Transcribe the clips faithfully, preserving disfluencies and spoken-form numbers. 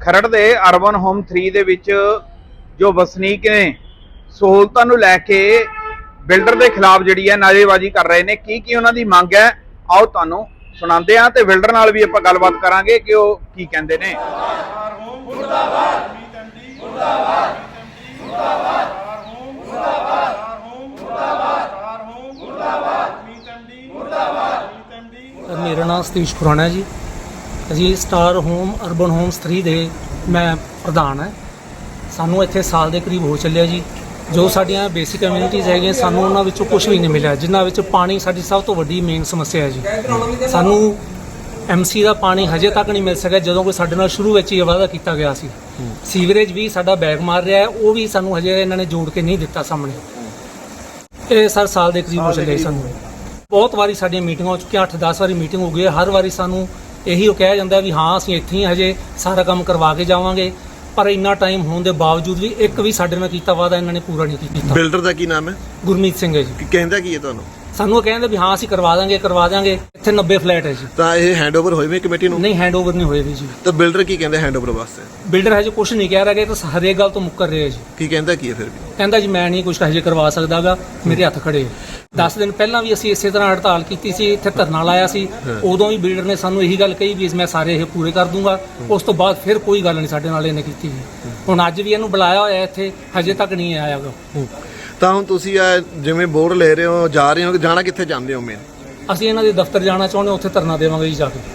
खरड़ दे urban home three दे विच जो वसनीक ने सहूलतां नूं लैके बिल्डर के खिलाफ जिहड़ी है नारेबाजी कर रहे हैं। की की उन्हां दी मंग है, आओ तुहानूं सुणांदे हां ते बिल्डर नाल भी आपां गलबात करांगे कि ओह की कहंदे ने। मेरा नाम सतीश खुराना है जी। अजी star home urban homes three दे मैं प्रधान है। सानू इत्थे साल के करीब हो चलिया जी। जो साडियां बेसिक कम्यूनिटीज़ है सानू उन्हां विचों कुछ भी नहीं मिला, जिन्हां विच पानी साडी सब तो वड्डी मेन समस्या है जी। सानू एम सी का पानी हजे तक नहीं मिल सकिया जदों कोई साडे नाल शुरू विच ही वादा किया गया सी। सीवरेज भी साडा बैग मार रहा है, वो भी सानू हजे इन्हां ने जोड़ के नहीं दिता सामने। ये सर साल के करीब हो चले सानू। बहुत वारी साडियां मीटिंगां हो चुकियां, अठ दस वारी मीटिंग हो गई है। हर वारी सानू यही कहा जाता भी हाँ असीं इत्थे ही हजे सारा काम करवा के जावांगे, पर इन्ना टाइम होने के बावजूद भी एक भी साडे नाल कीता वादा इन्होंने पूरा नहीं किया। बिल्डर का की नाम है? गुरमीत सिंह है जी। कहंदा की है तुहानूं? सानू कहते भी हाँ असीं करवा देंगे करवा देंगे। इत्थे नब्बे फ्लैट है जी। तो ये हैंडओवर होए वे कमेटी नूं? नहीं, हैंडओवर नहीं होए जी। तो बिल्डर की कहंदे हैंडओवर वास्ते? बिल्डर हजे कुछ नहीं कह रहा, तो हरेक गल तो मुकर रहे जी। की कहंदा की है फिर भी? कहंदा जी मैं नहीं कुछ हजे करवा सकदा गा, मेरे हत्थ खड़े। दस दिन पहला भी असीं इसे तरह हड़ताल की सी, इत्थे धरना लाया सी। उदों भी बिल्डर ने सानू यही गल कही भी मैं सारे ये पूरे कर दूंगा। उस तो बाद फिर कोई गल नहीं साडे नाल इहने कीती। हुण अज भी इहनूं बुलाया होया इत्थे, हजे तक नहीं आया गा। ਤਾਂ ਹੁਣ ਤੁਸੀਂ ਜਿਵੇਂ ਬੋਰਡ ਲੈ ਰਹੇ ਹੋ ਜਾ ਰਹੇ ਹੋ, ਜਾਣਾ ਕਿੱਥੇ ਚਾਹੁੰਦੇ ਹੋ? ਮੇਨ ਅਸੀਂ ਇਹਨਾਂ ਦੇ ਦਫ਼ਤਰ ਜਾਣਾ ਚਾਹੁੰਦੇ, ਉੱਥੇ ਧਰਨਾ ਦੇਵਾਂਗੇ ਜੀ ਜਾ ਕੇ।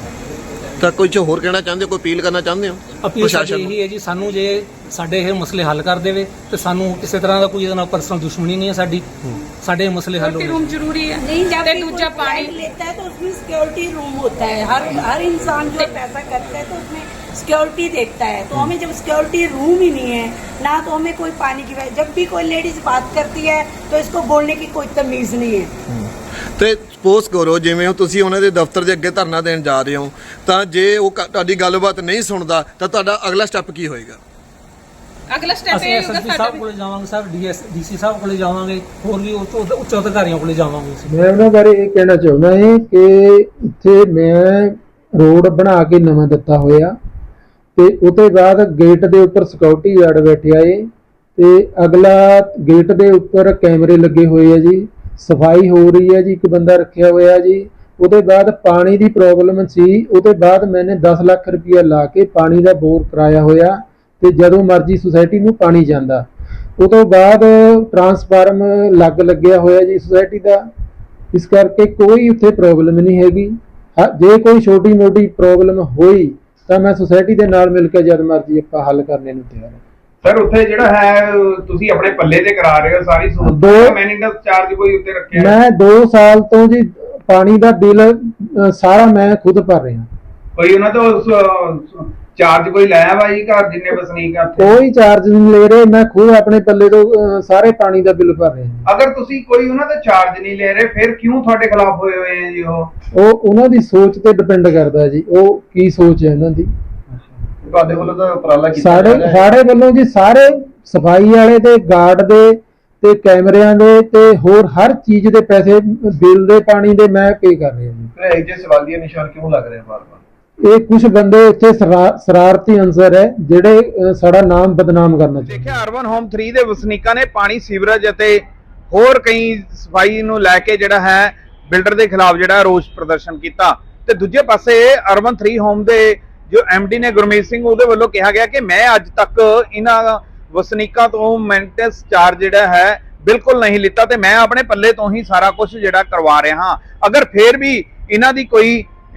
ਤਾਂ ਕੋਈ ਚ ਹੋਰ ਕਹਿਣਾ ਚਾਹੁੰਦੇ ਹੋ, ਕੋਈ ਅਪੀਲ ਕਰਨਾ ਚਾਹੁੰਦੇ ਹੋ? ਅਪੀਲ ਸਾਡੀ ਇਹੀ ਹੈ ਜੀ, ਸਾਨੂੰ ਜੇ ਸਾਡੇ ਇਹ ਮਸਲੇ ਹੱਲ ਕਰ ਦੇਵੇ ਤੇ ਸਾਨੂੰ ਕਿਸੇ ਤਰ੍ਹਾਂ ਦਾ ਕੋਈ ਇਹਦੇ ਨਾਲ ਪਰਸਨਲ ਦੁਸ਼ਮਣੀ ਨਹੀਂ ਹੈ ਸਾਡੀ। ਸਾਡੇ ਮਸਲੇ हल हो रूम जरूरी है। नहीं जब दूसरा पानी लेता है तो उसमें सिक्योरिटी रूम होता है। हर हर इंसान जो पैसा करता है तो उसमें सिक्योरिटी देखता है। तो हमें जब सिक्योरिटी रूम ही नहीं है ना, तो हमें कोई पानी की, जब भी कोई लेडीज बात करती है तो इसको बोलने की कोई तमीज नहीं है। ਤੇ ਸਪੋਜ਼ ਕਰੋ ਜਿਵੇਂ ਤੁਸੀਂ ਉਹਨਾਂ ਦੇ ਦਫ਼ਤਰ ਦੇ ਅੱਗੇ ਧਰਨਾ ਦੇਣ ਜਾ ਰਹੇ ਹੋ, ਤਾਂ ਜੇ ਉਹ ਤੁਹਾਡੀ ਗੱਲਬਾਤ ਨਹੀਂ ਸੁਣਦਾ ਤਾਂ ਤੁਹਾਡਾ ਅਗਲਾ ਸਟੈਪ ਕੀ ਹੋਏਗਾ? ਅਗਲਾ ਸਟੈਪ ਇਹ ਹੋਊਗਾ ਐਸਐਸਪੀ ਸਾਹਿਬ ਕੋਲੇ ਜਾਵਾਂਗੇ ਸਰ, ਡੀਐਸ ਡੀਸੀ ਸਾਹਿਬ ਕੋਲੇ ਜਾਵਾਂਗੇ, ਹੋਰ ਵੀ ਉੱਚ ਅਧਿਕਾਰੀਆਂ ਕੋਲੇ ਜਾਵਾਂਗੇ। ਮੈਂ ਉਹਨਾਂ ਬਾਰੇ ਇਹ ਕਹਿਣਾ ਚਾਹੁੰਦਾ ਹਾਂ ਕਿ ਇੱਥੇ ਮੈਂ ਰੋਡ ਬਣਾ ਕੇ ਨਵਾਂ ਦਿੱਤਾ ਹੋਇਆ ਤੇ ਉਹਦੇ ਬਾਅਦ ਗੇਟ ਦੇ ਉੱਪਰ ਸਿਕਿਉਰਿਟੀ ਗਾਰਡ ਬੈਠਿਆ ਏ ਤੇ ਅਗਲਾ ਗੇਟ ਦੇ ਉੱਪਰ ਕੈਮਰੇ ਲੱਗੇ ਹੋਏ ਆ ਜੀ। ਸਫਾਈ ਹੋ ਰਹੀ ਹੈ ਜੀ, ਇੱਕ ਬੰਦਾ ਰੱਖਿਆ ਹੋਇਆ ਜੀ। ਉਹਦੇ ਬਾਅਦ ਪਾਣੀ ਦੀ ਪ੍ਰੋਬਲਮ ਸੀ, ਉਹਦੇ ਬਾਅਦ ਮੈंने दस ਲੱਖ ਰੁਪਇਆ ਲਾ ਕੇ ਪਾਣੀ ਦਾ ਬੋਰ ਕਰਾਇਆ ਹੋਇਆ ਤੇ ਜਦੋਂ ਮਰਜ਼ੀ ਸੁਸਾਇਟੀ ਨੂੰ ਪਾਣੀ ਜਾਂਦਾ। ਉਹ ਤੋਂ ਬਾਅਦ ਟਰਾਂਸਫਾਰਮ ਲੱਗ ਲੱਗਿਆ ਹੋਇਆ ਜੀ ਸੁਸਾਇਟੀ ਦਾ, ਇਸ ਕਰਕੇ ਕੋਈ ਉੱਥੇ ਪ੍ਰੋਬਲਮ ਨਹੀਂ ਹੈਗੀ। ਜੇ ਕੋਈ ਛੋਟੀ ਮੋਟੀ ਪ੍ਰੋਬਲਮ ਹੋਈ ਤਾਂ ਮੈਂ ਸੁਸਾਇਟੀ ਦੇ ਨਾਲ ਮਿਲ ਕੇ ਜਦ ਮਰਜ਼ੀ ਆਪਾਂ ਹੱਲ ਕਰਨੇ ਨੂੰ ਤਿਆਰ ਹਾਂ। सर उत्थे जिहड़ा है तुसीं अपने पल्ले ते करा रहे हो सारी दो मेंटेनेंस चार्ज कोई उत्ते रखिया? मैं दो साल तो जी पानी दा बिल सारा मैं खुद भर रहा। कोई उन्हां तो चार्ज कोई लाया वा जी घर जिन्ने वसनीक आ? कोई चार्ज नहीं ले रहे, मैं खुद अपने पल्ले तो सारे पानी दा बिल भर रहा। अगर तुसीं कोई उन्हां तो चार्ज नहीं ले रहे फिर क्यों तुहाडे खिलाफ होए होए हैं जी? ਉਹ ਉਹ ਉਹਨਾਂ ਦੀ ਸੋਚ ਤੇ ਡਿਪੈਂਡ ਕਰਦਾ ਜੀ, ਉਹ ਕੀ ਸੋਚ ਹੈ ਉਹਨਾਂ ਦੀ। ਤੁਹਾਡੇ ਵੱਲੋਂ ਤਾਂ ਉਪਰਾਲਾ ਕੀਤਾ ਸਾਡੇ ਸਾਡੇ ਵੱਲੋਂ ਜੀ ਸਾਰੇ ਸਫਾਈ ਵਾਲੇ ਤੇ ਗਾਰਡ ਦੇ ਤੇ ਕੈਮਰਿਆਂ ਦੇ ਤੇ ਹੋਰ ਹਰ ਚੀਜ਼ ਦੇ ਪੈਸੇ ਬਿੱਲ ਦੇ ਪਾਣੀ ਦੇ ਮੈਂ ਪੇ ਕਰ ਰਿਹਾ ਜੀ। ਫਿਰ ਇਹ ਜੇ ਸਵਾਲੀਆ ਨਿਸ਼ਾਨ ਕਿਉਂ ਲੱਗ ਰਿਹਾ ਬਾਰ-ਬਾਰ? ਇਹ ਕੁਝ ਬੰਦੇ ਇੱਥੇ ਸ਼ਰਾਰਤੀ ਅੰਸਰ ਹੈ ਜਿਹੜੇ ਸਾਡਾ ਨਾਮ ਬਦਨਾਮ ਕਰਨਾ ਚਾਹੁੰਦੇ। ਦੇਖਿਆ ਅਰਬਨ ਹੋਮ ਥ੍ਰੀ ਦੇ ਵਸਨੀਕਾਂ ਨੇ ਪਾਣੀ ਸੀਵਰੇਜ ਅਤੇ ਹੋਰ ਕਈ ਸਫਾਈ ਨੂੰ ਲੈ ਕੇ ਜਿਹੜਾ ਹੈ ਬਿਲਡਰ ਦੇ ਖਿਲਾਫ ਜਿਹੜਾ ਰੋਸ ਪ੍ਰਦਰਸ਼ਨ ਕੀਤਾ। ਤੇ ਦੂਜੇ ਪਾਸੇ ਅਰਬਨ ਥ੍ਰੀ ਹੋਮ ਦੇ जो एमडी ने गुरमीत सिंह ਉਹਦੇ ਵੱਲੋਂ ਕਿਹਾ ਗਿਆ ਕਿ मैं अज तक इन्हां वसनीकां तो मेंटेनेंस चार्ज ਜਿਹੜਾ है बिल्कुल नहीं लिता ਤੇ मैं अपने पल्ले तो ही सारा कुछ ਜਿਹੜਾ करवा रहा हाँ। अगर फिर भी इन्हां दी कोई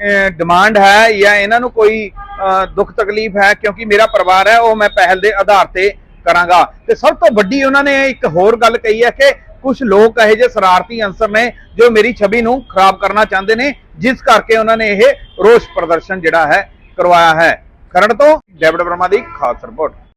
डिमांड है या इन्हां नूं कोई दुख तकलीफ है, क्योंकि मेरा परिवार है वो मैं पहल के आधार ते करांगा। ते सब तो वड्डी उन्होंने एक होर गल कही है कि कुछ लोग यह जे शरारती अंसर ने जो मेरी छवि नूं खराब करना चाहते हैं, जिस करके उन्होंने यह रोष प्रदर्शन जिहड़ा है करवाया है। खरड़ तो डेविड वर्मा दी खास रिपोर्ट।